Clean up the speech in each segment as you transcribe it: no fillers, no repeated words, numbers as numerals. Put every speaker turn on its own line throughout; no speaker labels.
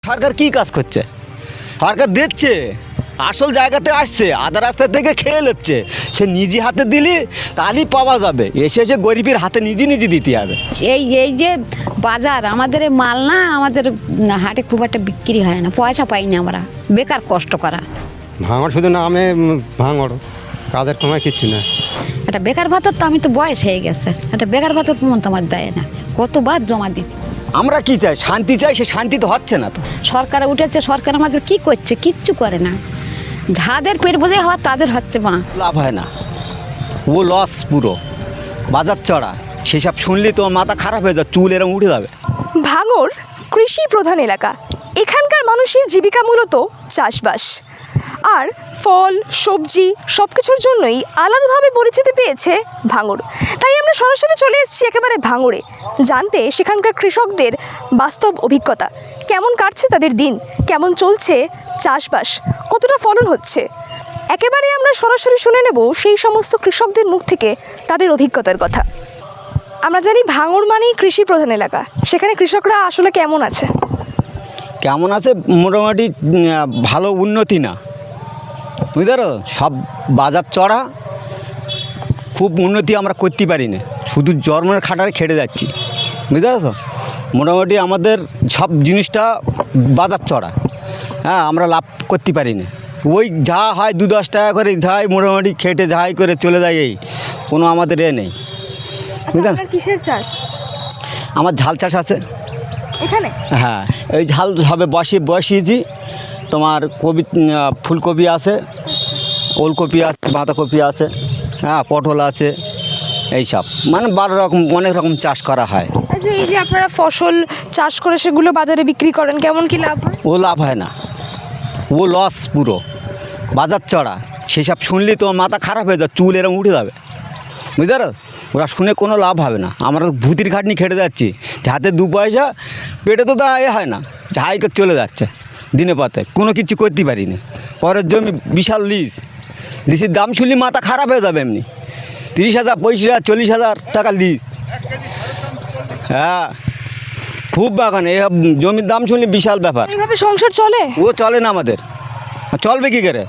সরকার কি কাজ করছে? সরকার দেখছে আসল জায়গাতে আসছে, আধা রাস্তা থেকে খেয়ে নিচ্ছে। সে নিজে হাতে দিলি তাহলেই পাওয়া যাবে, এসে এসে গরিবের হাতে নিজে নিজে দিতে হবে।
এই এই যে বাজার আমাদের এই মাল না, আমাদের হাটে খুব একটা বিক্রি হয় না, পয়সা পাই না, আমরা বেকার কষ্ট করা।
ভাঙড় শুধু নামে ভাঙড়, কাজের সময় কিচ্ছু না।
একটা বেকার ভাতার তো আমি তো বয়স হয়ে গেছে, একটা বেকার ভাতার প্রমাণ তো আমার দেয় না, কতবার জমা দিচ্ছি।
আমরা কি চাই? শান্তি চাই, সে শান্তি তো হচ্ছে না তো।
সরকার উঠেছে, সরকার আমাদের কি করছে? কিচ্ছু করে না। যাদের পেট বোঝে হওয়া তাদের হচ্ছে মা,
লাভ হয় না, ও লস পুরো। বাজার চড়া সেসব শুনলি তো মাথা খারাপ হয়ে যায়, চুল এরকম উঠে যাবে।
ভাঙড় কৃষি প্রধান এলাকা। এখানকার মানুষের জীবিকা মূলত চাষবাস, আর ফল সবজি সব কিছুর জন্যই আলাদাভাবে পরিচিতি পেয়েছে ভাঙড়। তাই আমরা সরাসরি চলে এসেছি একেবারে ভাঙড়ে, জানতে সেখানকার কৃষকদের বাস্তব অভিজ্ঞতা, কেমন কাটছে তাদের দিন, কেমন চলছে চাষবাস, কতটা ফলন হচ্ছে। একেবারে আমরা সরাসরি শুনে নেব সেই সমস্ত কৃষকদের মুখ থেকে তাদের অভিজ্ঞতার কথা। আমরা জানি ভাঙড় মানেই কৃষি প্রধান এলাকা, সেখানে কৃষকরা আসলে কেমন আছে?
কেমন আছে? মোটামুটি ভালো উন্নতি না, বুঝতে পারো। সব বাজার চড়া, খুব উন্নতি আমরা করতে পারি না, শুধু জন্মের খাটারে খেটে যাচ্ছি, বুঝতে পারছো। মোটামুটি আমাদের সব জিনিসটা বাজার চড়া, হ্যাঁ, আমরা লাভ করতে পারি না। ওই যা হয় 2-10 টাকা করে যাই, মোটামুটি খেটে যাই করে চলে যায়, এই কোনো আমাদের নেই, বুঝলেন।
কিসের চাষ
আমার ঝাল চাষ আছে
এখানে?
হ্যাঁ, এই ঝাল সবে বসিয়েছি। তোমার কপি, ফুলকপি আছে, ওলকপি আছে, বাঁধাকপি আছে, হ্যাঁ, পটল আছে, এইসব মানে 12 রকম, অনেক রকম চাষ করা হয়।
আচ্ছা, এই যে আপনারা ফসল চাষ করে সেগুলো বাজারে বিক্রি করেন, কেমন কি লাভ হয়?
ও লাভ হয় না, ও লস পুরো। বাজার চড়া সেসব শুনলি তো মাথা খারাপ হয়ে যায়, চুল এরকম উঠে যাবে, বুঝতে পারো। ওরা শুনে কোনো লাভ হবে না। আমরা ভূতির খাটনি খেটে যাচ্ছি, যাতে 2 পয়সা পেটে তো এ হয় না, ঝাই করে চলে যাচ্ছে দিনে পাতে, কোনো কিছু করতে পারি না। পরের জমি বিশাল লিসের দাম শুনলি মাথা খারাপ হয়ে যাবে। এমনি 30,000 35,000 40,000 টাকা লিস, হ্যাঁ, খুব বাগান। এই জমির দাম শুনলি বিশাল ব্যাপার।
এইভাবে সংসার চলে?
ও চলে না আমাদের, চলবে কী করে?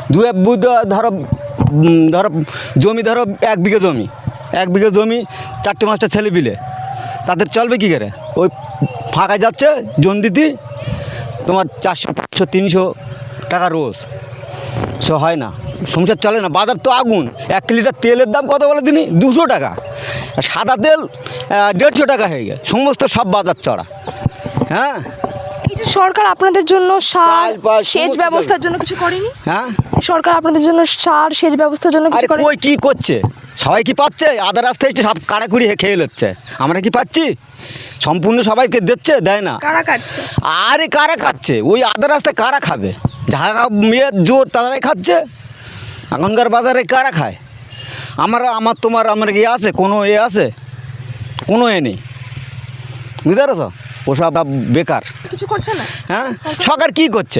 ধরো জমি, ধরো 1 বিঘা জমি, 1 বিঘা জমি 4টে-5টা ছেলে বিলে, তাদের চলবে কী করে? ওই ফাঁকা যাচ্ছে জন দিতে, তোমার 400 500 300 টাকা রোজ, সে হয় না, সংসার চলে না। বাজার তো আগুন। 1 লিটার তেলের দাম কত বলে দিনই? 200 টাকা। আর সাদা তেল 150 টাকা হয়ে গেছে। সমস্ত সব বাজার চড়া, হ্যাঁ।
এই যে সরকার আপনাদের জন্য সার
চাল, পাল,
সেচ
সমস্ত
ব্যবস্থার জন্য কিছু করেনি?
হ্যাঁ,
সরকার আপনাদের জন্য সার সেচ ব্যবস্থার জন্য
আরে
কিছু করে?
কই কি করছে? সবাই কি পাচ্ছে? আধা রাস্তায় একটু সব কাড়াকুড়ি খেয়ে নিচ্ছে, আমরা কি পাচ্ছি? সম্পূর্ণ সবাইকে দিচ্ছে? দেয় না।
কারা কাটছে?
আরে কারা খাচ্ছে? ওই আধা রাস্তায় কারা খাবে? যারা মেয়ের জোর তারাই খাচ্ছে। এখনকার বাজারে কারা খায়? আমার তোমার ইয়ে আছে? কোনো এ আছে? কোনো এ নেই, বুঝতে পারছো। ওসব বেকার।
কিছু করছে না?
হ্যাঁ, সরকার কি করছে?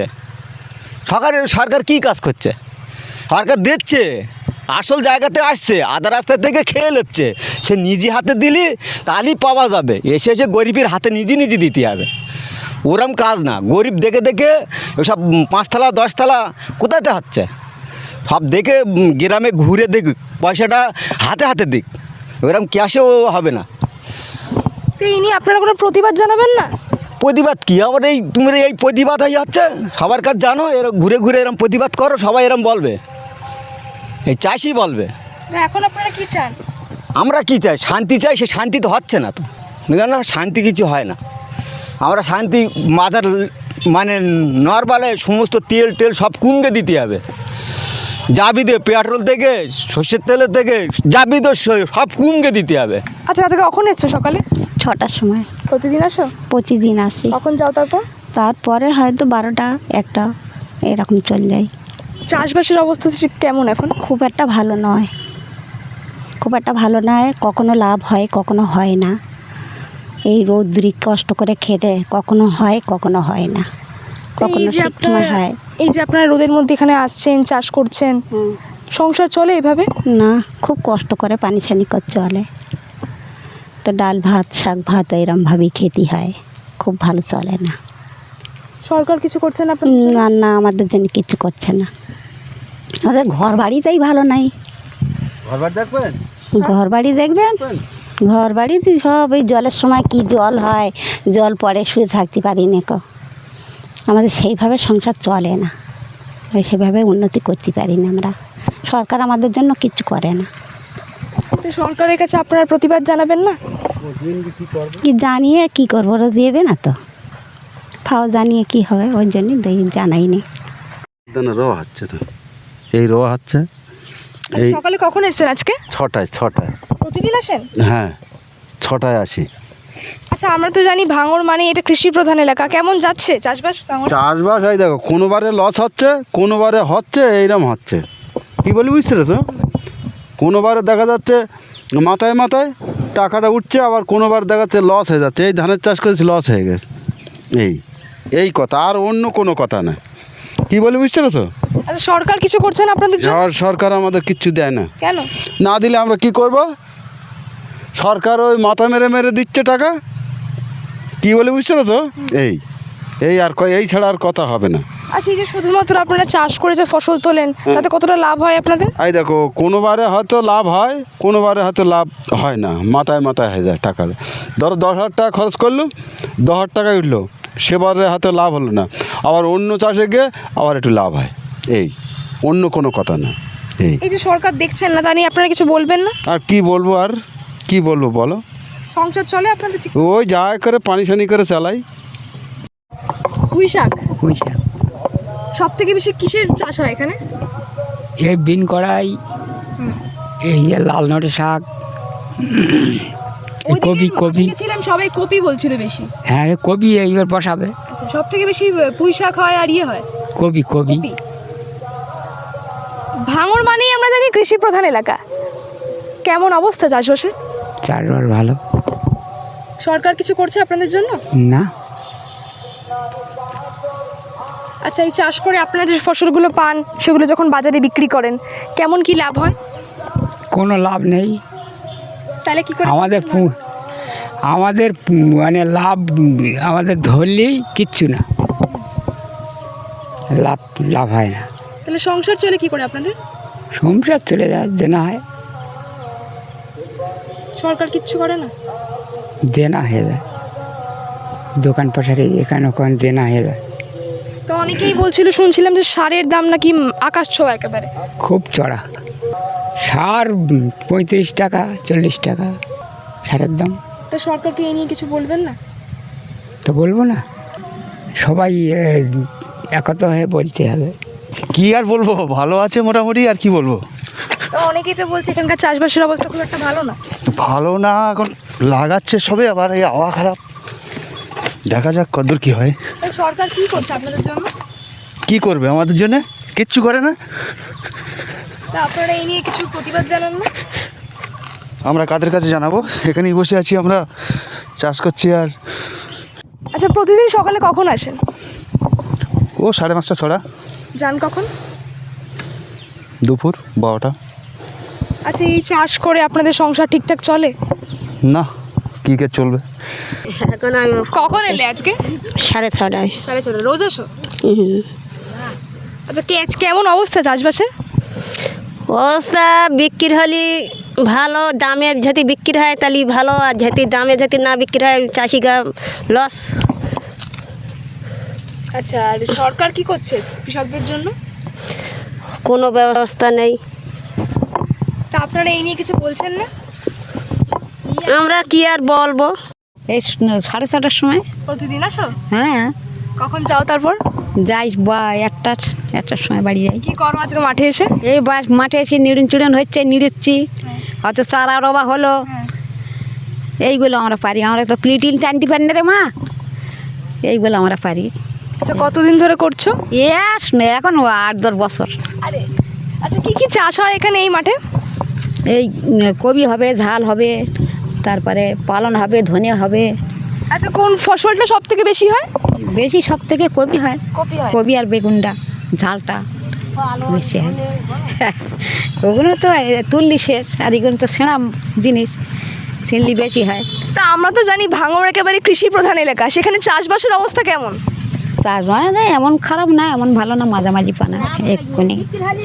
সরকার কি কাজ করছে? সরকার দেখছে আসল জায়গাতে আসছে, আধা রাস্তা থেকে খেয়ে নিচ্ছে। সে নিজে হাতে দিলি তাহলেই পাওয়া যাবে, এসে এসে গরিবের হাতে নিজে নিজে দিতে হবে। ওরম কাজ না, গরিব দেখে দেখে ওসব 5 তলা 10 তলা কোথাতে হচ্ছে, সব দেখে গ্রামে ঘুরে দেখ, পয়সাটা হাতে হাতে দিক, ওরম ক্যাশেও হবে না।
তো এই নিয়ে আপনারা কোনো প্রতিবাদ জানাবেন না?
প্রতিবাদ কি? আমার এই তুমি এই প্রতিবাদ হয়ে যাচ্ছে সবার কাছে, জানো, এরকম ঘুরে ঘুরে এরম প্রতিবাদ করো, সবাই এরম বলবে, এই চাষি বলবে।
তো এখন আপনারা কি চান?
আমরা কি চাই? শান্তি চাই, সে শান্তি তো হচ্ছে না তো, বুঝলেন না। শান্তি কিছু হয় না। আমরা শান্তি মাথার মানে নর্মালে সমস্ত তেল সব কমকে দিতে হবে, যাবি দে, পেট্রোল থেকে সর্ষের তেলের থেকে যাবি তো সব কমকে দিতে হবে।
আচ্ছা আজকে কখন এসছো? সকালে?
6টার সময়।
প্রতিদিন আসো?
প্রতিদিন আসি।
কখন যাও তারপর?
তারপরে হয়তো 12টা 1টা এরকম চলে যায়।
চাষবাসের অবস্থা কেমন এখন?
খুব একটা ভালো নয়, খুব একটা ভালো নয়। কখনো লাভ হয়, কখনো হয় না। এই রৌদ্রি কষ্ট করে খেটে কখনো হয়, কখনো হয় না, কখনো ঠিক সময় হয়।
এই যে আপনারা রোদের মধ্যে এখানে আসছেন, চাষ করছেন, সংসার চলে এভাবে?
না, খুব কষ্ট করে পানি ছানি করে চলে। তো ডাল ভাত শাক ভাত এরমভাবেই খেতে হয়, খুব ভালো চলে না।
সরকার কিছু করছে না আপনাদের জন্য?
না না, আমাদের জন্য কিছু করছে না। আমাদের ঘর বাড়িতেই ভালো নাই। ঘর বাড়ি দেখবেন, ঘর বাড়িতে সব ওই জলের সময় কি জল হয়, জল পড়ে শুয়ে থাকতে পারি না কো। আমাদের সেইভাবে সংসার চলে না, ওই সেভাবে উন্নতি করতে পারি না আমরা। সরকার আমাদের জন্য কিছু করে না।
তো সরকারের কাছে আপনারা প্রতিবাদ জানাবেন না?
কি জানিয়ে কি করবো, ওরা দেবে না তো, ফাও জানিয়ে কি হবে, ওই জন্যই জানাইনি।
রো হচ্ছে তো, এই রো হচ্ছে এই
সকালে কখন এসেছেন আজকে?
6টায়
প্রতিদিন আসেন?
হ্যাঁ 6টায় আসি।
আচ্ছা, আমরা তো জানি ভাঙড় মানে এটা কৃষি প্রধান এলাকা, কেমন যাচ্ছে চাষবাস ভাঙড়?
চাষবাস এই দেখো, কোনোবারে লস হচ্ছে, কোনোবারে হচ্ছে, এইরকম হচ্ছে। কি বলি বুঝতে পেরেছো? কোনোবারে দেখা যাচ্ছে মাথায় মাথায় টাকাটা উঠছে, আবার কোনোবার দেখা যাচ্ছে লস হয়ে যাচ্ছে। এই ধানের চাষ করেছি, লস হয়ে গেছে। এই কথা, আর অন্য কোনো কথা না। কি বলি বুঝতে পেরেছো?
আচ্ছা, সরকার কিছু করছে না আপনাদের জন্য?
সরকার আমাদের কিচ্ছু দেয় না।
কেন
না দিলে আমরা কি করব? সরকার ওই মাথা মেরে মেরে দিচ্ছে টাকা। কি বলে বুঝতে পেরেছো? এই ছাড়া আর কথা হবে না।
আচ্ছা, এই যে শুধুমাত্র আপনারা চাষ করে যে ফসল তোলেন, তাতে কতটা লাভ হয় আপনাদের?
এই দেখো, কোনোবারে হয়তো লাভ হয়, কোনোবারে হয়তো লাভ হয় না, মাথায় মাথায় হয়ে যায় টাকার। ধরো 10,000 টাকা খরচ করলো, 10,000 টাকায় উঠলো, সেবারে হয়তো লাভ হলো না। আবার অন্য চাষে গিয়ে আবার একটু লাভ হয়। অন্য কোনো কথা না।
এই যে সরকার দেখছেন না, তা নিয়ে আপনারা কিছু বলবেন না?
আর কি বলবো, আর কি বলবো বলো?
সংসার চলে আপনাদের ঠিক?
ওই যা করে পানি সানি করে চালাই।
পুঁই শাক
পুঁই শাক,
সব থেকে বেশি কিসের চাষ হয় এখানে?
এই বিন কড়াই, এই যে লাল নটে শাক, এই কপি
ছিলাম, সবাই কপি বলছিল বেশি।
হ্যাঁ রে, কপি এইবার বসাবে।
আচ্ছা, সব থেকে বেশি পুঁই শাক হয় আর ইয়ে হয়
কপি।
ভাঙড় মানেই আমরা জানি কৃষি প্রধান এলাকা। কেমন অবস্থা চাষবাসের?
চারবার ভালো
সরকার কিছু করছে আপনাদের জন্য?
না।
আচ্ছা, এই চাষ করে আপনারা যে ফসলগুলো পান, সেগুলো যখন বাজারে বিক্রি করেন, কেমন কি লাভ হয়?
কোনো লাভ নেই
তাহলে কি করে?
আমাদের মানে লাভ আমাদের ধরলেই কিচ্ছু না, লাভ হয় না।
তাহলে সংসার চলে কি করে আপনাদের?
সংসার চলে যায়, দেনা হয়,
সরকার কিচ্ছু করে না?
দেনা হয়ে যায়, দোকান পাশারে এখানে ওখানে দেনা হয়ে যায়।
তো অনেকেই বলছিল, শুনছিলাম যে সারের দাম নাকি আকাশ ছোঁয়া একেবারে।
খুব চড়া সার, 35 টাকা 40 টাকা সারের দাম।
তো সরকারকে এই নিয়ে কিছু বলবেন না?
তো বলবো না, সবাই একত হয়ে বলতে হবে।
কি আর বলবো, ভালো আছে মোটামুটি, আর কি বলবো।
তো অনেকেই তো বলছে এখানকার চাষবাসের অবস্থা খুব একটা ভালো না।
ভালো না, এখন লাগাচ্ছে সবে, আবার এই আবহাওয়া খারাপ, দেখা যাক কতদূর কী হয়।
তো সরকার কি করছে আপনাদের জন্য?
কি করবে আমাদের জন্য? কিচ্ছু করে না।
তা আপনারা এই নিয়ে কিছু প্রতিবাদ জানান না?
আমরা কাদের কাছে জানাবো? এখানেই বসে আছি, আমরা চাষ করছি। আর
আচ্ছা, প্রতিদিন সকালে কখন আসেন?
ও 5:30 ছড়া,
যান কখন?
দুপুর 12টা।
আচ্ছা, এই চাষ করে আপনাদের সংসার ঠিকঠাক চলে?
না, কী কে চলবে।
কখন এলে আজকে?
6:30টায়।
6:30। রোজ আসো? আচ্ছা, কেমন অবস্থা চাষবাসের?
অবস্থা বিক্রি হলে ভালো, দামে যদি বিক্রি হয় তাহলে ভালো, আর যদি দামে যদি না বিক্রি হয় চাষিরা লস।
আচ্ছা, আর সরকার কি করছে কৃষকদের জন্য?
কোনো ব্যবস্থা নেই।
তা আপনারা এই নিয়ে কিছু বলছেন না?
আমরা কি আর বলবো।
এই 6:30টার সময়।
প্রতিদিন আসো?
হ্যাঁ
কখন যাও তারপর?
যাই বা একটার সময় বাড়ি যাই।
কি করো আজকে মাঠে এসে?
এই মাঠে এসে নিড়ুন হচ্ছে, নিড়ুচ্ছি, হয়তো চারা রবা হলো, এইগুলো আমরা পারি। আমরা তো প্লিটিন টানতে পারি না রে মা, এইগুলো আমরা পারি।
আচ্ছা, কতদিন ধরে করছো?
এখন 8-10 বছর।
আরে আচ্ছা, কি কি চাষ হয় এখানে এই মাঠে?
এই কবি হবে, ঝাল হবে, তারপরে পালন হবে, ধনে হবে।
আচ্ছা, কোন ফসলটা সব থেকে বেশি হয়?
বেশি সব থেকে কবি হয়,
কপি হয়।
কবি আর বেগুনটা, ঝালটা বেশি হয়। ওগুলো তো তুললি শেষ, আর এগুলো তো ছেঁড়া জিনিস, ছিনলি বেশি হয়।
তা আমরা তো জানি ভাঙড় একেবারে কৃষি প্রধান এলাকা, সেখানে চাষবাসের অবস্থা কেমন?
চাষ হয় না, এমন খারাপ না এমন ভালো না, মাঝামাঝি পানা এক্ষুনি।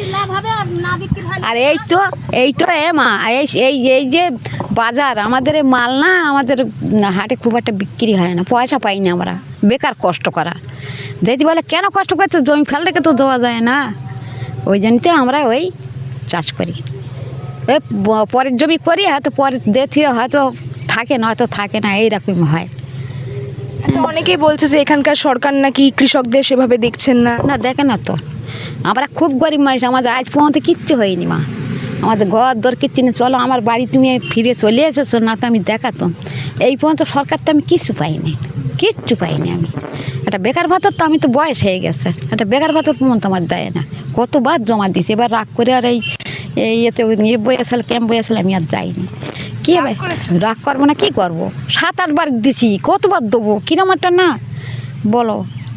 আর এই তো মা এই এই এই যে বাজার আমাদের এই মাল না, আমাদের হাটে খুব একটা বিক্রি হয় না, পয়সা পাই না আমরা, বেকার কষ্ট করা। যদি বলে কেন কষ্ট করছে, জমি ফেল রেখে তো দেওয়া যায় না, ওই জন্যতে আমরা ওই চাষ করি। ওই পরের জমি করি, হয়তো পরের দিয়ে হয়তো থাকে না, হয়তো থাকে না, এইরকম হয়।
আচ্ছা, অনেকেই বলছে যে এখানকার সরকার নাকি কৃষকদের সেভাবে দেখছেন না।
না দেখে না তো, আমরা খুব গরিব মানুষ, আমাদের আজ পর্যন্ত কিচ্ছু হয়নি মা, আমাদের ঘর দর কিচ্ছু নেই। চলো আমার বাড়ি তুমি ফিরে চলে এসেছো, না তো আমি দেখাতাম। এই পর্যন্ত সরকার তো আমি কিচ্ছু পাইনি, কিচ্ছু পাইনি আমি। একটা বেকার ভাতার তো, আমি তো বয়স হয়ে গেছে, একটা বেকার ভাতার পর্যন্ত আমার দেয় না, কতবার জমা দিছি। এবার রাগ করে আর এই ইয়েতে বয়েছিল, ক্যাম্প বয়েছিল, আমি আর যাইনি। কী হবে, রাগ করবো না, কী করবো? 7-8 বার দিছি, কতবার দেবো, কিরম একটা না বলো।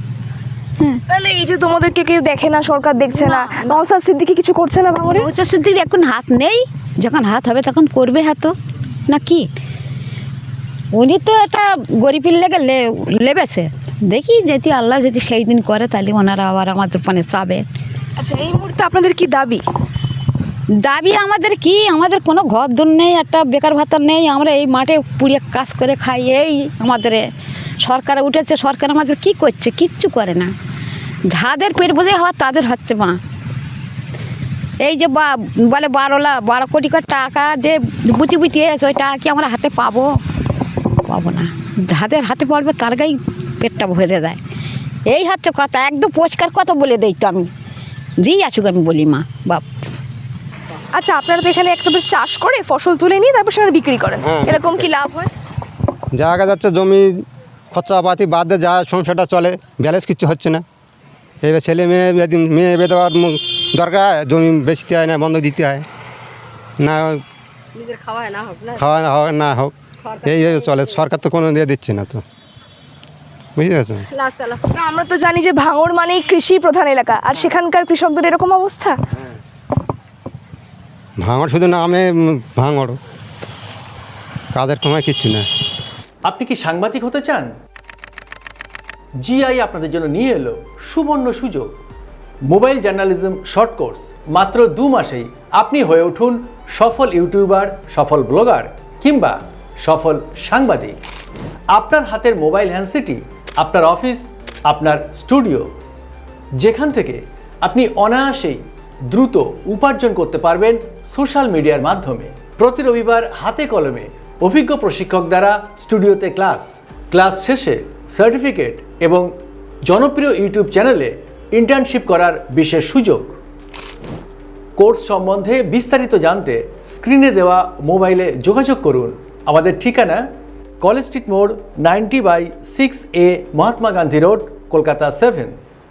তাহলে এই যে তোমাদেরকে কেউ দেখে না, সরকার দেখছে না, নওশাদ সিদ্দিকী কিছু করছে না ভাঙড়ে?
নওশাদ সিদ্দিকী এখন হাত নেই, যখন হাত হবে তখন করবে হাত, না কি? উনি তো একটা গরিবের লেগে লেবেছে, দেখি যদি আল্লাহ যদি সেই দিন করে তাহলে ওনারা আবার আমাদের পানে চাবে।
আচ্ছা, এই মুহূর্তে আপনাদের কি দাবি?
দাবি আমাদের কি, আমাদের কোনো ঘর দর নেই, একটা বেকার ভাতা নেই, আমরা এই মাঠে পুড়িয়ে কাজ করে খাই। এই আমাদের সরকার উঠেছে, সরকার আমাদের কি করছে, কিচ্ছু করে না। যাদের পেট বোঝে হওয়া তাদের হচ্ছে মা। এই যে বলে 12 কোটি করে টাকা যে বুঝি এসে, ওই টাকা কি আমরা হাতে পাবো না। যাদের হাতে পড়বে তার গায়ে পেটটা ভরে দেয়, এই হচ্ছে কথা। একদম পরিষ্কার কথা বলে দেই তো আমি, যেই আসুক আমি বলি মা বাপ।
আচ্ছা, আপনারা তো এখানে একটা চাষ করে ফসল তুলে নিয়ে তারপর সেটা বিক্রি করেন, এরকম কি লাভ হয়?
জায়গা যাচ্ছে, জমি খরচাপাতি বাদ দিয়ে যা সংসারটা চলে, ব্যালেন্স কিছু হচ্ছে না। এবার ছেলে মেয়ে যদি মেয়ে বেঁধে দেওয়ার দরকার হয়, জমি বেচতে হয়, না বন্ধ দিতে হয়, না খাওয়া না হোক, এই চলে। সরকার তো কোনো দিয়ে দিচ্ছে না, তো বুঝতে পারছো?
তো আমরা তো জানি যে ভাঙড় মানেই কৃষি প্রধান এলাকা, আর সেখানকার কৃষকদের এরকম অবস্থা।
ভাঙড় শুধু নামে ভাঙড়, কাজের সময় কিচ্ছু না।
আপনি কি সাংবাদিক হতে চান? জিআই আপনাদের জন্য নিয়ে এলো সুবর্ণ সুযোগ, মোবাইল জার্নালিজম শর্ট কোর্স। মাত্র 2 মাসেই আপনি হয়ে উঠুন সফল ইউটিউবার, সফল ব্লগার কিংবা সফল সাংবাদিক। আপনার হাতের মোবাইল হ্যান্ডসেটই আপনার অফিস, আপনার স্টুডিও, যেখান থেকে আপনি অনায়াসেই দ্রুত উপার্জন করতে পারবেন সোশ্যাল মিডিয়ার মাধ্যমে। প্রতি রবিবার হাতে কলমে অভিজ্ঞ প্রশিক্ষক দ্বারা স্টুডিওতে ক্লাস শেষে সার্টিফিকেট এবং জনপ্রিয় ইউটিউব চ্যানেলে ইন্টার্নশিপ করার বিশেষ সুযোগ। কোর্স সম্বন্ধে বিস্তারিত জানতে স্ক্রিনে দেওয়া মোবাইলে যোগাযোগ করুন। আমাদের ঠিকানা কলেজ স্ট্রিট মোড় 90/6A মহাত্মা গান্ধী রোড, কলকাতা 7।